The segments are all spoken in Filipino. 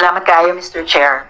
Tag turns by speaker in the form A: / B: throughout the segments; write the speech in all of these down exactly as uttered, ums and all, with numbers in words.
A: Salamat kaayo, Mister Chair.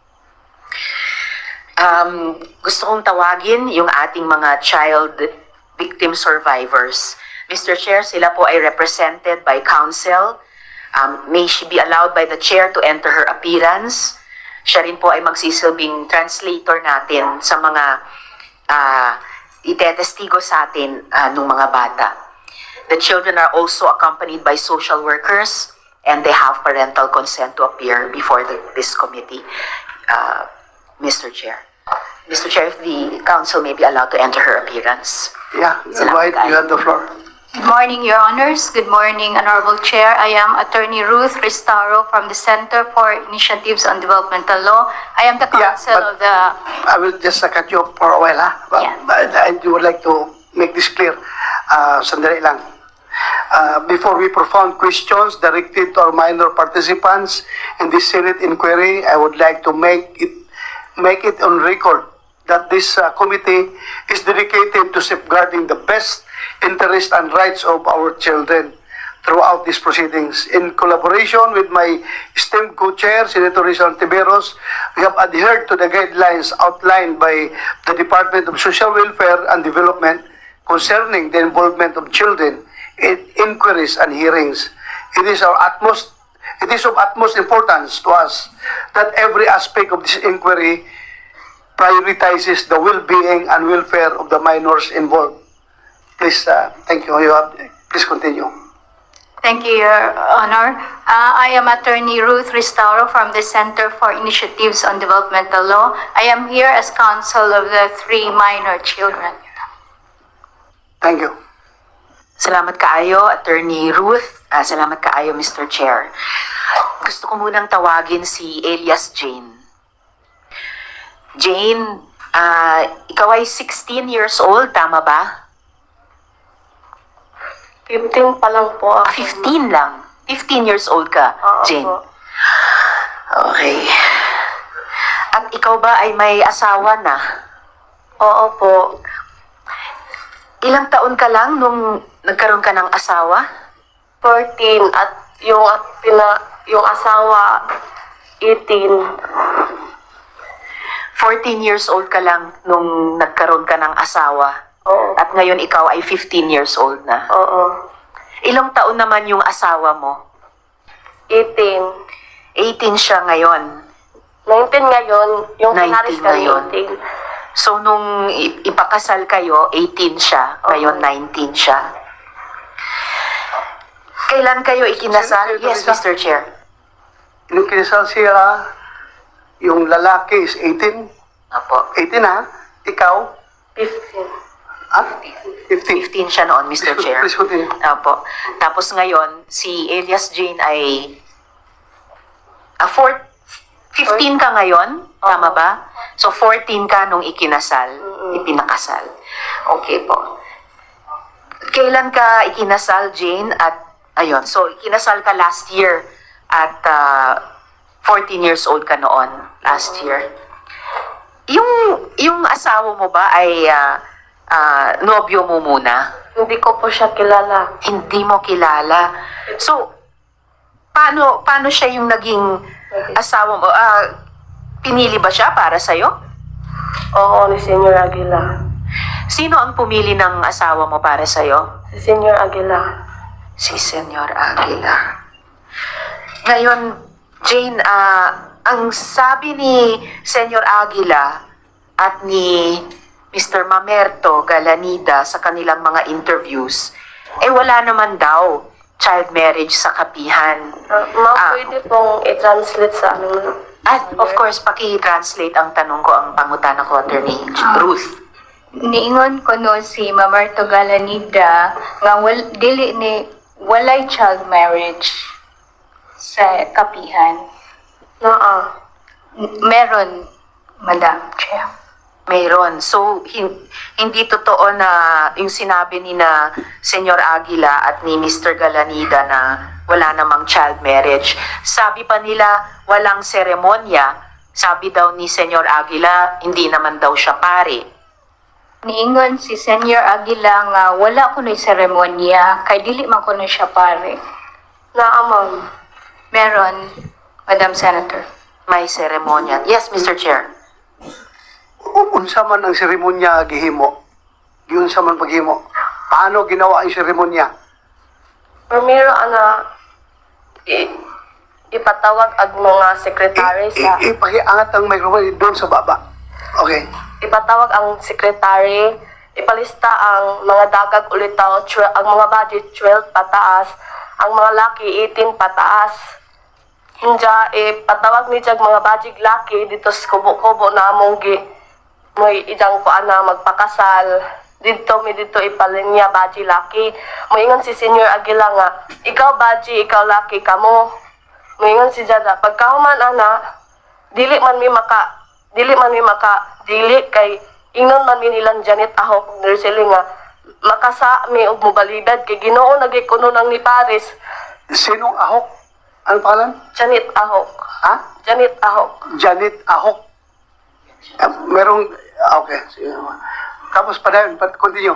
A: Um, gusto kong tawagin yung ating mga child victim survivors. Mister Chair, sila po ay represented by counsel. Um, may she be allowed by the chair to enter her appearance. Siya rin po ay magsisilbing translator natin sa mga uh, itetestigo sa atin uh, ng mga bata. The children are also accompanied by social workers and they have parental consent to appear before the, this committee, uh, Mister Chair. Mister Chair, if the council may be allowed to enter her appearance.
B: Yeah,
A: Salamat
B: White, you have the floor.
C: Good morning, Your Honors. Good morning, Honorable Chair. I am Attorney Ruth Ristaro from the Center for Initiatives on Developmental Law. I am the
B: Yeah,
C: counsel
B: but-
C: of the...
B: I will just uh, cut you off for a while, ha? But,
C: Yeah.
B: but I would like to make this clear. Uh, sandali lang. Uh, before we profound questions directed to our minor participants in this Senate inquiry, I would like to make it make it on record that this uh, committee is dedicated to safeguarding the best interest and rights of our children throughout these proceedings. In collaboration with my esteemed co-chair, Senator Rizal Tiberos, we have adhered to the guidelines outlined by the Department of Social Welfare and Development concerning the involvement of children in inquiries and hearings. It is our utmost, it is of utmost importance to us that every aspect of this inquiry prioritizes the well-being and welfare of the minors involved. Please, uh, thank you. You have, please continue.
C: Thank you, Your Honor. Uh, I am Attorney Ruth Ristaro from the Center for Initiatives on Developmental Law. I am here as counsel of the three minor children.
B: Thank you.
A: Salamat kaayo, Attorney Ruth. Ah, salamat kaayo, Mister Chair. Gusto ko munang tawagin si Elias Jane. Jane, ah, ikaw ay sixteen years old, tama ba?
D: fifteen pa lang po
A: Ah,
D: ako.
A: fifteen lang. fifteen years old ka,
D: Oo
A: Jane.
D: po.
A: Okay. At ikaw ba ay may asawa na?
D: Oo po.
A: Ilang taon ka lang nung nagkaroon ka ng asawa?
D: fourteen at yung at pina, yung asawa eighteen.
A: fourteen years old ka lang nung nagkaroon ka ng asawa.
D: Oo.
A: At ngayon ikaw ay fifteen years old na.
D: Oo.
A: Ilang taon naman yung asawa mo?
D: eighteen.
A: eighteen siya ngayon.
D: nineteen ngayon. Yung
A: nineteen
D: pinaris kami
A: ngayon.
D: eighteen.
A: So nung i- ipakasal kayo, eighteen siya. Ngayon
D: Oo.
A: nineteen siya. Kailan kayo ikinasal?
B: Senator
A: Yes,
B: Teresa.
A: Mister Chair.
B: Yung kinasal siya, yung lalaki is eighteen.
A: Apo.
B: eighteen, ha? Ikaw?
D: fifteen.
B: Ah? fifteen.
A: fifteen siya noon, Mister
B: Please,
A: Chair.
B: please continue.
A: Apo. Tapos ngayon, si Elias Jane ay ah, four, fifteen ka ngayon? Tama ba? So, fourteen ka nung ikinasal, ipinakasal. Okay po. Kailan ka ikinasal, Jane? At, ayun, so, ikinasal ka last year at ah, fourteen years old ka noon, last year. Yung, yung asawa mo ba ay ah, ah, nobyo mo muna?
D: Hindi ko po siya kilala.
A: Hindi mo kilala. So, paano paano siya yung naging asawa mo? Ah, pinili ba siya para sa'yo?
D: Oo, ni Senyor Aguila.
A: Sino ang pumili ng asawa mo para sa'yo?
D: Si Senyor Aguila.
A: Si Senyor Aguila. Ngayon, Jane, ah, ang sabi ni Senyor Aguila at ni Mister Mamerto Galanida sa kanilang mga interviews, eh wala naman daw child marriage sa kapihan.
D: Uh, ma,
A: Ah.
D: pwede pong i-translate sa ano.
A: At of course, paki-translate ang tanong ko, ang pangutana ko, Attorney Ruth.
C: Niingon ko no si Mamarto Galanida nga wal, dili ni walay child marriage sa kapihan.
D: Naa.
C: N- Meron, Madam Chair.
A: Mayroon. So, hin- hindi totoo na yung sinabi ni na Senyor Aguila at ni Mister Galanida na wala namang child marriage. Sabi pa nila, walang seremonya. Sabi daw ni Senyor Aguila, hindi naman daw siya pare.
C: Niingon si Senyor Aguila nga wala ko na seremonya kay dili man ko na siya pare.
D: Naa, ma'am.
C: Meron, Madam Senator.
A: May seremonya. Yes, Mister Chair.
B: Unsa man ang seremonya gihimo? Giunsa man paghimo? Paano ginawa ang seremonya?
D: Primero, ana, i, ipatawag ang mga sekretary sa...
B: I- i- Ipakiangat ang microphone doon sa baba. Okay.
D: ipatawag ang sekretary, ipalista ang mga dagag ulitaw, tw- ang mga budget twelve pataas, ang mga laki eighteen pataas. Hinja, ipatawag ni jag mga budget laki dito sa kubo-kubo na among gi mo'y idang ko ana magpakasal. Dito mi dito ipalinya budget laki. Moingon si Senior Aguila nga, ikaw budget, ikaw laki kamo. Moingon si Jada, pagkahuman ana, dili man mi maka dili man mi maka dili kay ingnon man mi nilang Janet Ahok nursing nga makasa mi og mobalibad kay Ginoo nagikuno nang ni Paris.
B: Sinong Ahok? Ano pangalan?
D: Janet Ahok.
B: Ha?
D: Janet Ahok.
B: Janet Ahok. Ah, merong... ah, Okay. Sige. Tapos pa na yun. But continue.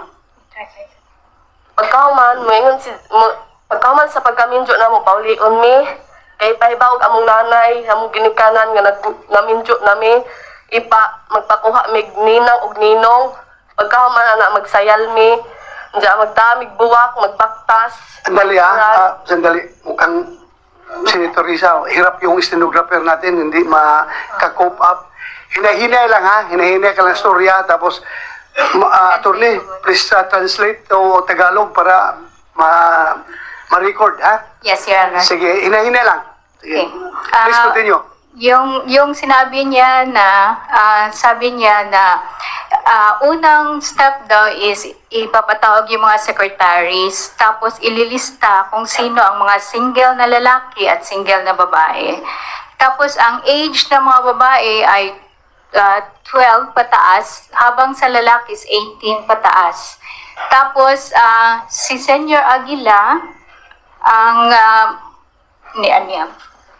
D: Pagkahuman moingon si mo, pagkahuman sa pagkaminjo na mo paulion mi kay pahibawog among nanay among ginikanan nga nag naminjo nami ipa magpakuha mig ninang og ninong pagkahuman ana magsayal mi diya magdamig buwak magbaktas.
B: Sandali ha. Ah, sandali. Mukhang Senator Risa, hirap yung stenographer natin, hindi maka-cope up. Hinahinay lang ha. Hinahinay ka lang storya. Tapos, ma- ah, attorney, please uh, translate to Tagalog para ma- ma-record ha.
C: Yes, Your Honor.
B: Sige, hinahinay lang. Sige.
C: Okay.
B: Please
C: Ah,
B: continue.
C: Yung yung sinabi niya na ah, sabi niya na ah, unang step daw is ipapatawag yung mga secretaries tapos ililista kung sino ang mga single na lalaki at single na babae. Tapos ang age ng mga babae ay ah, twelve pataas habang sa lalaki is eighteen pataas. Tapos ah, si Senior Aguila ang uh, ni ano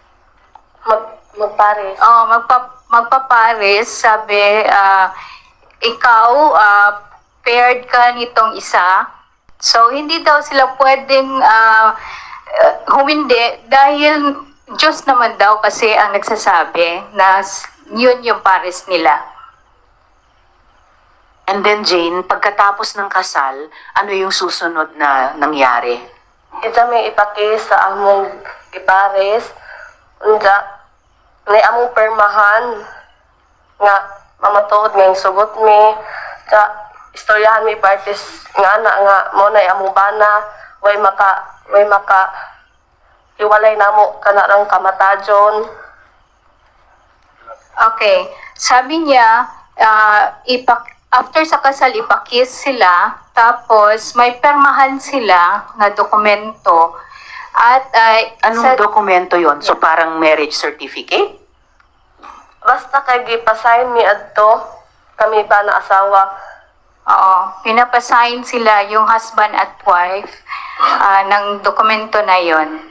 D: Mag magpares.
C: Oh, magpa magpapares, sabi, ah, ikaw, ah, paired ka nitong isa. So, hindi daw sila pwedeng ah, uh, humindi dahil Diyos naman daw kasi ang nagsasabi na s- yun yung pares nila.
A: And then Jane, pagkatapos ng kasal, ano yung susunod na nangyari?
D: Ita may ipaki sa among ipares. Unja, may among permahan nga mamatuod nga yung sugot mi. Sa istoryahan mi parties nga na nga mo na among bana way maka way maka hiwalay namo kanarang kamatajon.
C: Okay. Sabi niya, ah, ipak after sa kasal, ipakis sila, tapos may permahan sila na dokumento. At ay
A: Anong dokumento yon? So parang marriage certificate?
D: Basta kay gipasign mi adto kami ba na asawa.
C: Oo, pinapasign sila yung husband at wife ah, ng dokumento na yon.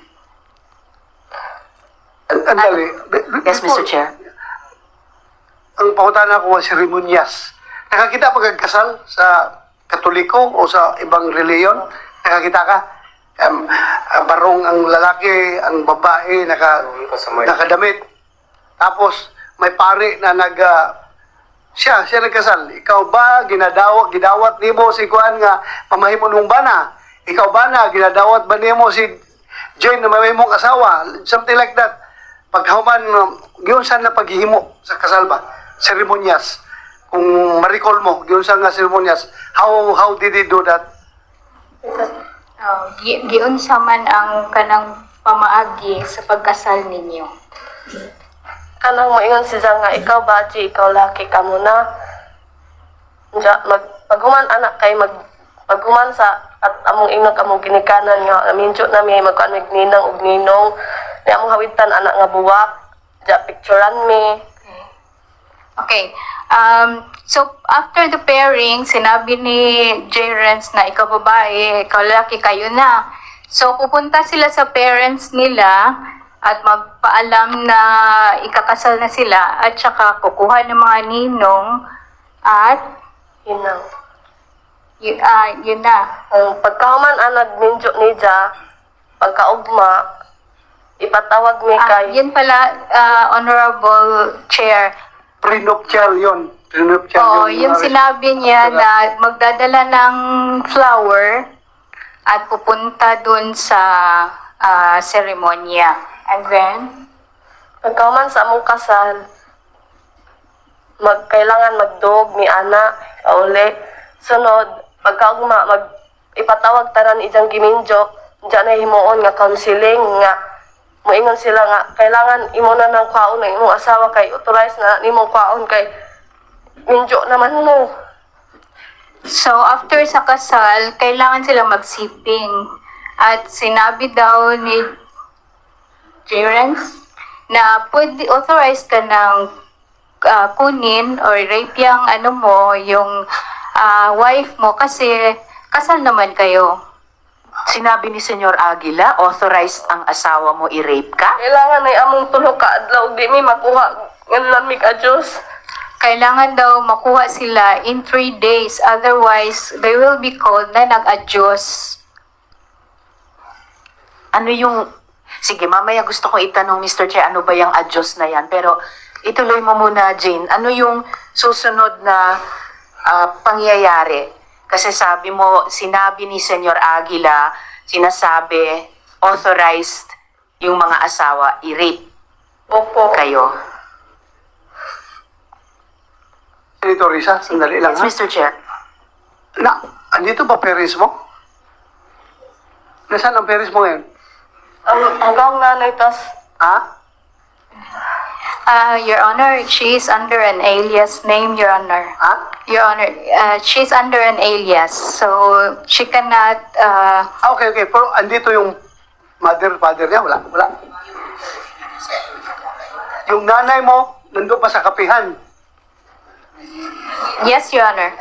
B: Andali. Be- be-
A: Yes, Mister
B: before-
A: Chair.
B: Ang pangutana ko ang seremonyas. Nakakita pa kang kasal sa Katoliko o sa ibang reliyon? Nakakita ka? Um, ah, barong ang lalaki, ang babae, naka, nakadamit. Tapos, may pare na nag... ah, siya, siya nagkasal. Ikaw ba, ginadawat, gidawat ni mo si Kuan nga mamahimo nung bana? Ikaw ba na, ginadawat ba ni mo si Jane na mamahimong asawa? Something like that. Pagkahuman, um, yun saan na paghihimo sa kasal ba? Seremonyas. Kung ma-recall mo, yun saan nga seremonyas. How, how did he do that?
C: Oh, gi- giunsa man ang kanang pamaagi sa pagkasal ninyo.
D: Kanang moingon si Zang nga ikaw baji, ikaw laki ka muna. Diya, mag paghuman anak kay mag paghuman sa at among ingnog among ginikanan nga minjo na mi magkuan mig ninang ug ninong. Ni among hawitan anak nga buwak. Diya picturean mi.
C: Okay. Um, so, after the pairing, sinabi ni J. Renz na ikaw babae, ikaw lalaki, kayo na. So, pupunta sila sa parents nila at magpaalam na ikakasal na sila at saka kukuha ng mga ninong at
D: Yun lang.
C: yun, ah, yun na.
D: Ang pagkahuman anag minjo ni Diya pagkaugma ipatawag mi
C: Ah,
D: kay
C: yun pala, ah, Honorable Chair.
B: Prenuptial yun. Prenuptial
C: Oo,
B: yun.
C: yung
B: uh,
C: sinabi niya na magdadala ng flower at pupunta dun sa ah, seremonya. And then,
D: pagkauman sa among kasal, magkailangan magdog mi ana kauli. Sunod, pagkaugma mag ipatawag tanan ijang giminjo, diyan na himuon nga counseling nga moingon sila nga kailangan imo na ng kwaon ng imong asawa kay authorized na nimong kwaon kay minjo naman mo.
C: so after sa kasal, kailangan sila magsiping. At sinabi daw ni Jerence na pwede authorized ka ng ah, kunin or rape yung ano mo, yung ah, wife mo kasi kasal naman kayo.
A: Sinabi ni Senyor Aguila, authorized ang asawa mo i-rape ka?
D: Kailangan ay among tulo ka adlaw di mi makuha ngan mi ka Dios.
C: Kailangan daw makuha sila in three days. Otherwise, they will be called na nag-adyos.
A: Ano yung... Sige, mamaya gusto kong itanong, Mister Chair, ano ba yung adyos na yan? Pero ituloy mo muna, Jane. Ano yung susunod na ah, pangyayari? Kasi sabi mo, sinabi ni Senyor Aguila, sinasabi, authorized yung mga asawa i-rape
D: Opo.
A: kayo.
B: Senator Risa, sandali lang
A: Yes,
B: ha.
A: Mister Chair.
B: Na, andito ba parents mo? Nasaan ang parents mo ngayon?
D: Ang hanggang nanay tas
B: Ha?
C: Uh, Your Honor, she is under an alias name, Your Honor.
B: Ha?
C: Your Honor, uh, she's under an alias, so she cannot, uh,
B: Ah, okay, okay. Pero andito yung mother, father niya? Wala, wala. Yung nanay mo, nandun pa sa kapihan.
C: yes, Your Honor.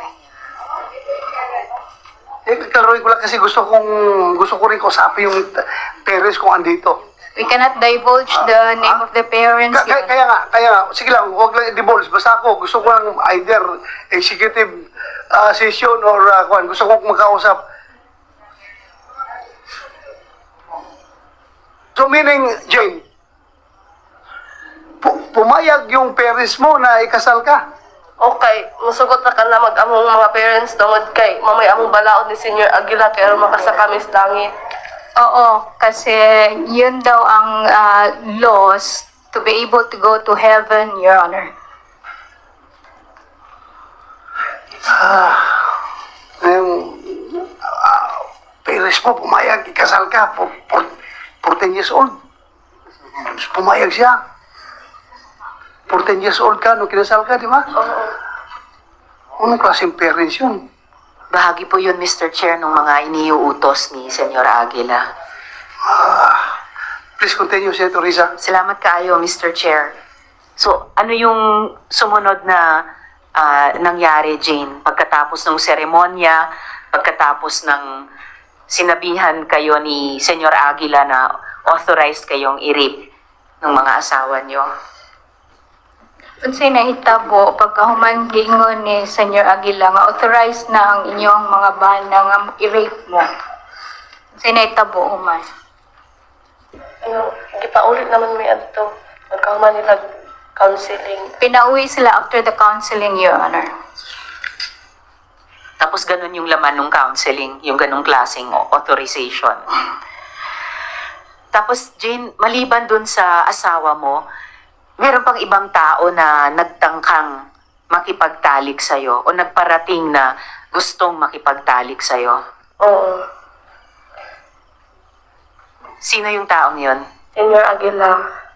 B: Eh, klaruhin ko lang kasi gusto kong, gusto ko rin kausapin yung t- parents kung andito.
C: We cannot divulge the name of the parents,
B: Ka-
C: Your
B: kaya, kaya nga, kaya nga, sige lang, huwag lang i-divulge. Basta ako, gusto ko lang either executive uh, session or uh, kuwan. Gusto ko magkausap. So meaning, Jane, pu- pumayag yung parents mo na ikasal ka.
D: okay, musugot na ka na mag-among mga parents tungod kay mamay among balaod ni Senior Aguila kay aron makasakamis langit.
C: Oo, kasi yun daw ang uh, laws to be able to go to heaven, Your Honor.
B: Yung uh, parents mo, pumayag, ikasal ka, for, for, fourteen years old. Pumayag siya. fourteen years old ka, nung kinasal ka, di ba?
D: Oo.
B: Anong klaseng parents yun?
A: Bahagi po yun, Mister Chair, ng mga iniuutos ni Senyor Aguila.
B: Please continue, Senator Risa.
A: Salamat kaayo, Mister Chair. So, ano yung sumunod na ah, nangyari, Jane? Pagkatapos ng seremonya, pagkatapos ng sinabihan kayo ni Senyor Aguila na authorized kayong i-rape ng mga asawa nyo?
C: Unsay nahitabo pagkahuman giingon ni Senyor Aguila nga authorized na ang inyong mga bana nga i-rape mo. Unsay nahitabo human?
D: Ano, gipaulit naman may adto. Magkahuman nila counseling.
C: Pinauwi sila after the counseling, Your Honor.
A: Tapos ganun yung laman ng counseling, yung ganung klaseng authorization. Tapos, Jane, maliban dun sa asawa mo, meron pang ibang tao na nagtangkang makipagtalik sa'yo o nagparating na gustong makipagtalik sa'yo.
D: Oo.
A: Sino yung taong yon?
D: Senior Aguila.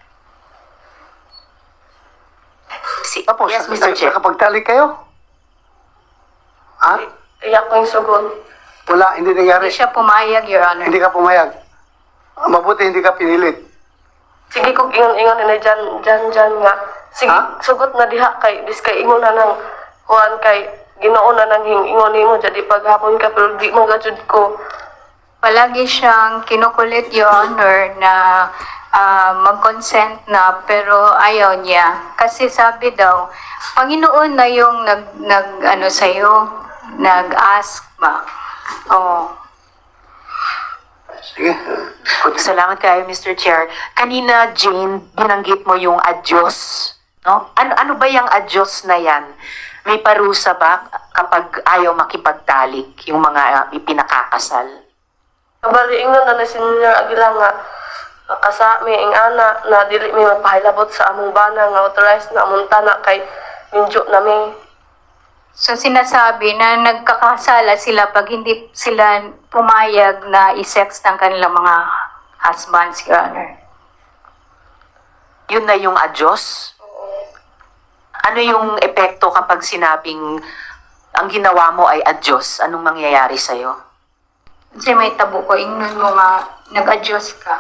A: Si
B: Tapos,
A: yes, Mister Chair.
B: nakapagtalik kayo? Ha?
D: Iyak ko yung sugon.
B: Wala, hindi nangyari.
C: Hindi siya pumayag, Your Honor.
B: Hindi ka pumayag. Mabuti hindi ka pinilit.
D: Sige kog ingon-ingon na dyan, dyan, dyan nga. Sige,
B: Ha?
D: sugot na diha kay, dis kay ingon na nang, kuhan kay, ginoo na nang ingon nimo jadi paghapon ka, pero di mo gajud ko.
C: Palagi siyang kinukulit, Your Honor, na ah, mag-consent na pero ayaw niya. Kasi sabi daw, Panginoon na yung nag, nag ano sa'yo, nag-ask ba? Oh.
B: Sige.
A: Salamat kayo, Mister Chair. Kanina, Jane, binanggit mo yung adyos. No? Ano, ano ba yung adyos na yan? May parusa ba kapag ayaw makipagtalik yung mga uh, ipinakakasal?
D: Kabali, ingon na ni Senior Aguila nga, kasa mi ing ana na dili mi magpahilabot sa among bana nga authorized na amunta na kay minjo na mi.
C: So sinasabi na nagkakasala sila pag hindi sila pumayag na i-sex ng kanilang mga husbands, Your Honor.
A: Yun na yung adyos? Ano yung epekto kapag sinabing ang ginawa mo ay adyos? Anong mangyayari sa'yo?
C: Kasi may tabo ko, ingnon mo nga, nag-adjust ka.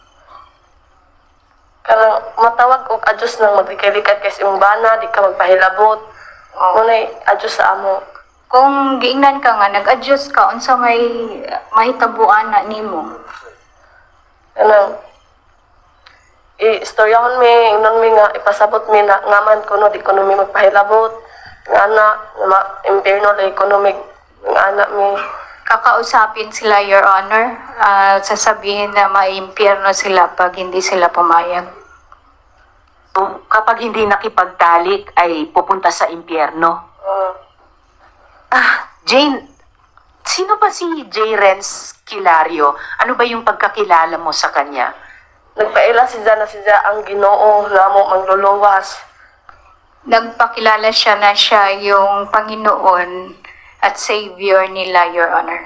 D: Kanang matawag og adjust nang maglikay-likay kay imong bana, di ka magpahilabot. Munay adjust sa amo.
C: Kung giingnan ka nga, nag-adjust ka, unsa may mahitabuan na nimo.
D: Kanang i-storyahon mi, ingnon mi nga ipasabot mi na ngaman kuno di kuno mi magpahilabot. Nga na, ma impierno la economic ng anak mi.
C: Kakausapin sila, Your Honor, ah, sasabihin na maimpyerno sila pag hindi sila pumayag.
A: So, kapag hindi nakipagtalik ay pupunta sa impyerno.
D: Uh,
A: Ah, Jane, sino ba si J. Renz Kilario? Ano ba yung pagkakilala mo sa kanya?
D: nagpaila si Zana si Zana ang Ginoo nga mo mangluluwas.
C: Nagpakilala siya na siya yung Panginoon at Savior nila, Your Honor.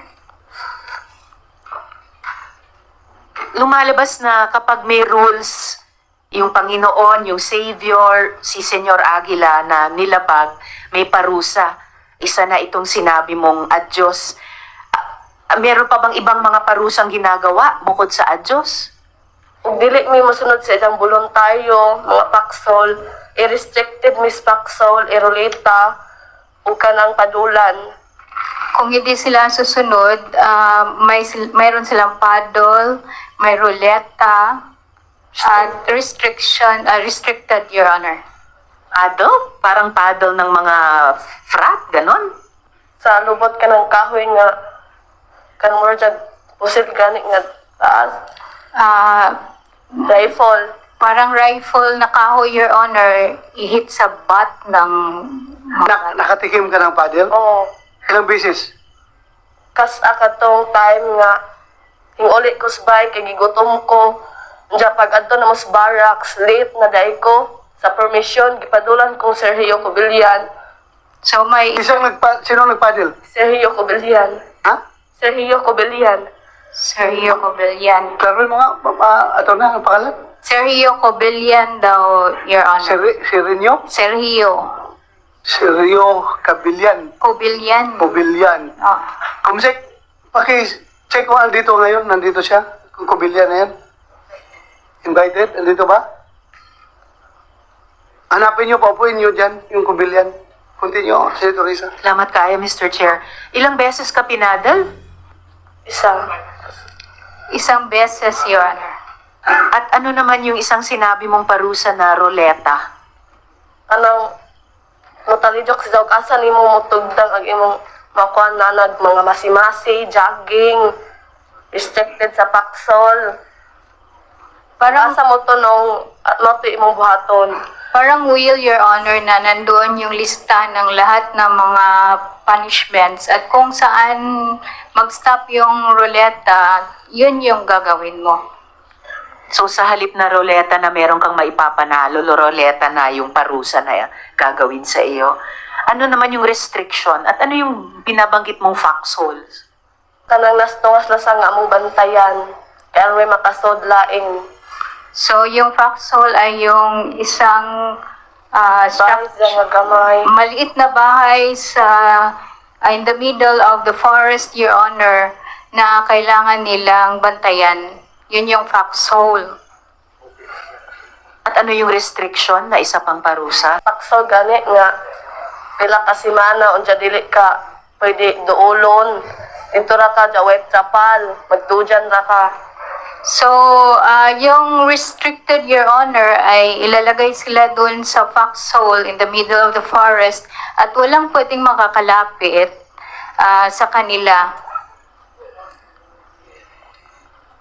A: Lumalabas na kapag may rules, yung Panginoon, yung Savior, si Senyor Aguila na nilabag, may parusa. Isa na itong sinabi mong adyos. Ah, meron pa bang ibang mga parusang ginagawa bukod sa adyos?
D: Ug dili mi mosunod sa isang voluntaryo, mga paksol, i-restricted mis paksol, iroleta, ug kanang padulan.
C: Kung hindi sila susunod, ah, may sil- mayroon silang paddle, may ruleta, at restriction, ah, restricted, Your Honor.
A: Paddle? Parang paddle ng mga frat, ganon?
D: Sa lubot ka ng kahoy nga, kanang mura dyan, pusil gani nga taas,
C: Ah,
D: rifle.
C: parang rifle na kahoy, Your Honor, i-hit sa butt ng
B: Nak nakatikim ka ng paddle?
D: Oo.
B: Ilang beses?
D: Kas akatong time nga, hinguli ko sa bike, kay gigutom ko. Diya pag adto na mas barracks, late na day ko. Sa permission, gipadulan kong Sergio Cobillan.
C: So may
B: Isang nagpa sino nagpaddle?
D: Sergio Cobillan.
B: Ha?
D: Sergio Cobillan.
C: Sergio Cobillan.
B: Klaro mo nga, ma- ma- ato na, ang pangalan?
C: Sergio Cobillan daw, Your Honor.
B: Seri Serenyo?
C: Sergio
B: Sergio Cabillan.
C: Cobillan.
B: Cobillan.
C: Oh.
B: Kumsek, paki-check ko andito ngayon, nandito siya, kung Cobillan na yan. Invited, andito ba? Hanapin niyo, paupuin niyo dyan, yung Cobillan. Continue, Senator Risa.
A: Salamat kayo, Mister Chair. Ilang beses ka pinadal?
D: Isa.
C: Isang beses, Your Honor.
A: At ano naman yung isang sinabi mong parusa na roleta?
D: Anong, mutalijok sa asa ni mo mutugdang ang imong makuha na nag mga masimasi, jogging, restricted sa paksol.
C: Parang,
D: Asa mo to nung at mo to imong buhaton.
C: parang will, Your Honor, na nandoon yung lista ng lahat ng mga punishments at kung saan mag-stop yung ruleta, yun yung gagawin mo.
A: So sa halip na roleta na meron kang maipapanalo, roleta na yung parusa na gagawin sa iyo. Ano naman yung restriction? At ano yung binabanggit mong foxholes?
D: Kanang nastungas lasang nga among bantayan. Kaya may makasod laing.
C: So, yung foxhole ay yung isang ah,
D: Bahay
C: structure,
D: sa nga gamay.
C: maliit na bahay sa ah, in the middle of the forest, Your Honor, na kailangan nilang bantayan. Yun yung foxhole.
A: At ano yung restriction na isa pang parusa?
D: Paksol gani nga pila ka semana unja dili ka pwede duolon. Dito ra ka ja wet trapal, magdujan ra ka.
C: So, ah, yung restricted, Your Honor, ay ilalagay sila doon sa foxhole in the middle of the forest at walang pwedeng makakalapit ah, sa kanila.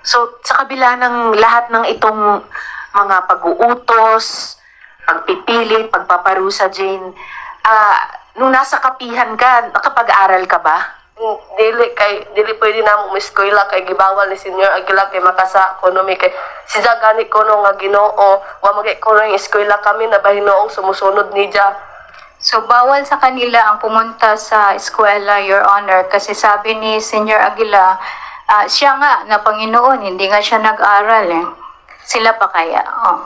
A: So, sa kabila ng lahat ng itong mga pag-uutos, pagpipilit, pagpaparusa, Jane, ah, nung nasa kapihan ka, nakapag-aral ka ba?
D: Mm, Dili kay dili pwede na mo eskwela kay gibawal ni Senior Aguila kay makasa ekonomi kay si gani ko no nga Ginoo wa magay ko ng eskwela kami na bahinoong sumusunod ni Dia.
C: So, bawal sa kanila ang pumunta sa eskwela, Your Honor, kasi sabi ni Senior Aguila, ah, siya nga na Panginoon, hindi nga siya nag-aral eh. Sila pa kaya? Oh.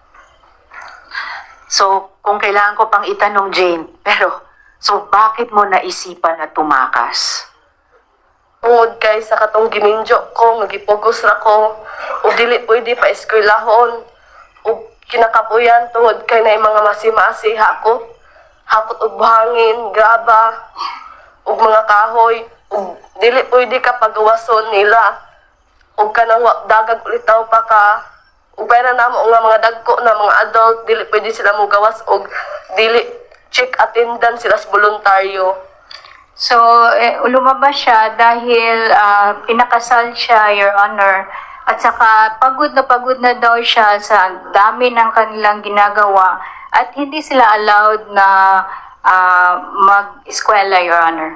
A: So, kung kailangan ko pang itanong, Jane, pero, so bakit mo naisipan na tumakas?
D: Tungod kay sa katong giminjo ko nga gipugos ra ko ug dili pwede pa eskwelahon ug kinakapuyan tungod kay na mga masimasiha ko hakot og buhangin, graba ug mga kahoy ug dili pwede ka pagawason nila ug kanang wa- dagag ulitaw pa ka ug pera namo nga mga dagko na mga adult dili pwede sila mo gawas ug dili check attendance sila sa voluntaryo.
C: So, eh, lumabas siya dahil ah, pinakasal siya, Your Honor. At saka pagod na pagod na daw siya sa dami ng kanilang ginagawa. At hindi sila allowed na ah, mag-eskwela, Your Honor.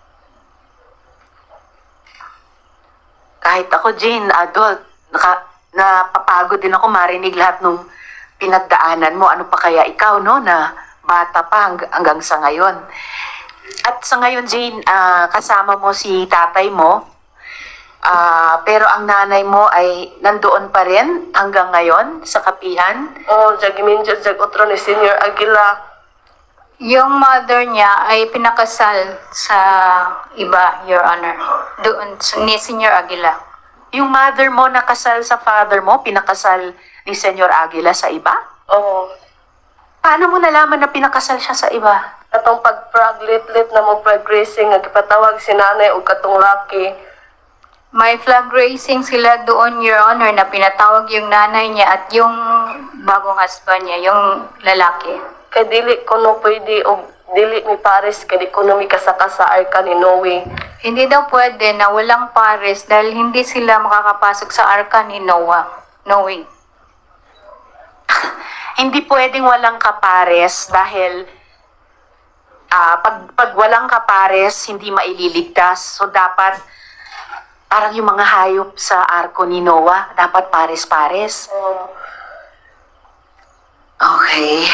A: Kahit ako, Jane, adult, naka, napapagod din ako marinig lahat nung pinagdaanan mo. Ano pa kaya ikaw, no, na bata pa hang- hanggang sa ngayon. At sa ngayon, Jane, ah, kasama mo si tatay mo, ah, pero ang nanay mo ay nandoon pa rin hanggang ngayon sa kapihan.
D: Oh, jag giminjo jag otro ni Senior Aguila.
C: Yung mother niya ay pinakasal sa iba, Your Honor. Doon, ni Senior Aguila.
A: Yung mother mo nakasal sa father mo, pinakasal ni Senyor Aguila sa iba?
D: Oh,
A: Paano mo nalaman na pinakasal siya sa iba?
D: katong pag-praglit-lit na mo progressing nga gipatawag si nanay ug katong laki.
C: May flag raising sila doon, Your Honor, na pinatawag yung nanay niya at yung bagong husband niya, yung lalaki.
D: Kay dili ko no pwede og dili ni Paris kay di ko no mikasaka sa arka ni Noe.
C: Hindi daw pwede na walang pares dahil hindi sila makakapasok sa arka ni Noah. Noe.
A: Hindi pwedeng walang kapares dahil ah, pag, pag walang kapares, hindi maililigtas. So dapat, parang yung mga hayop sa arko ni Noah, dapat pares-pares.
D: Oh,
A: Okay.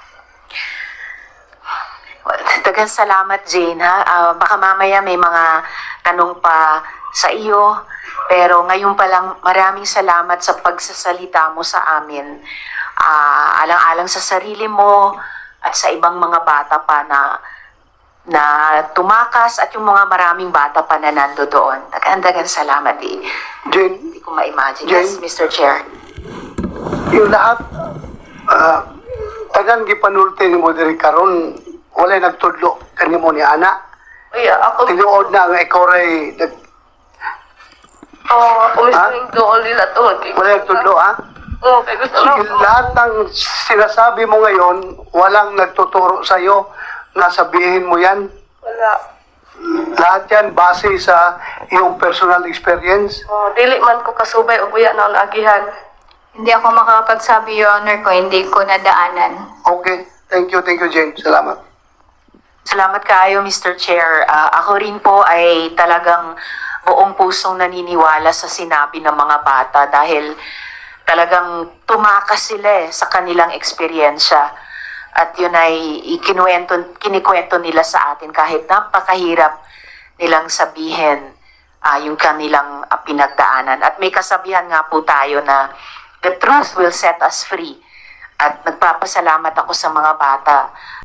A: Well, dagang salamat, Jane, ha? Ah, baka mamaya may mga tanong pa sa iyo. Pero ngayon pa lang, maraming salamat sa pagsasalita mo sa amin. Ah, alang-alang sa sarili mo at sa ibang mga bata pa na na tumakas at yung mga maraming bata pa na nando doon. Dagan-dagan salamat, eh.
B: Jane,
A: Hindi ko ma-imagine.
B: Jane?
A: Yes, Mister Chair.
B: yung lahat, uh, tagan gipanulti ni mo diri karon wala nagtudlo kanimo ni ana.
D: Uy, ako
B: Tinuod na nga ikaw ray nag-
D: oh, ako mismo doon nila tungod kay
B: wala nagtudlo ha.
D: Oh, kay gusto lang.
B: Sige, lahat ng sinasabi mo ngayon, walang nagtuturo sa'yo na sabihin mo yan.
D: Wala.
B: Lahat yan base sa iyong personal experience.
D: Oh, dili man ko kasubay og buya na agihan.
C: Hindi ako makakapagsabi, Your Honor, kung hindi ko nadaanan.
B: Okay. Thank you, thank you, Jane. Salamat.
A: Salamat kaayo, Mister Chair. Ah, ako rin po ay talagang buong pusong naniniwala sa sinabi ng mga bata dahil talagang tumakas sila eh, sa kanilang eksperyensya. At yun ay ikinuwento, kinikwento nila sa atin kahit napakahirap nilang sabihin ah, yung kanilang ah, pinagdaanan. At may kasabihan nga po tayo na the truth will set us free. At nagpapasalamat ako sa mga bata